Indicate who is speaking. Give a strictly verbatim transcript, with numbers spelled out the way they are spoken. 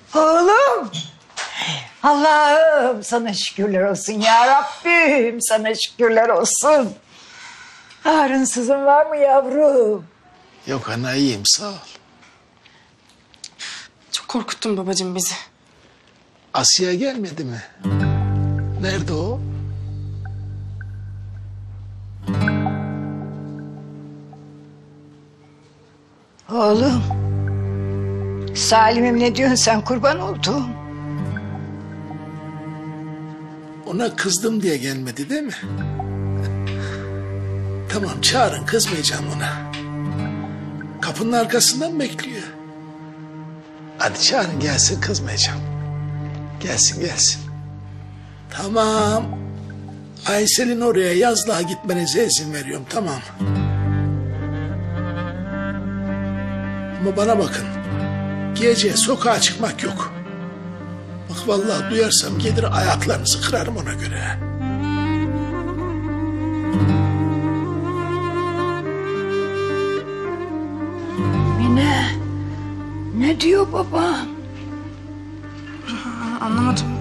Speaker 1: Oğlum. Allah'ım sana şükürler olsun ya Rabbim. Sana şükürler olsun. Ağrınsızın var mı yavrum?
Speaker 2: Yok ana, iyiyim sağ ol.
Speaker 3: Çok korkuttun babacığım bizi.
Speaker 2: Asiye gelmedi mi? Nerede o?
Speaker 1: Oğlum. Salim'im ne diyorsun sen, kurban oldum.
Speaker 2: Ona kızdım diye gelmedi değil mi? Tamam, çağırın, kızmayacağım ona. Kapının arkasından bekliyor. Hadi çağırın gelsin, kızmayacağım. Gelsin gelsin. Tamam. Aysel'in oraya yazlığa gitmenize izin veriyorum, tamam. Ama bana bakın. Gece sokağa çıkmak yok. Bak vallahi duyarsam gelir ayaklarınızı kırarım ona göre.
Speaker 1: Mine. Ne diyor baba?
Speaker 3: Anlamadım.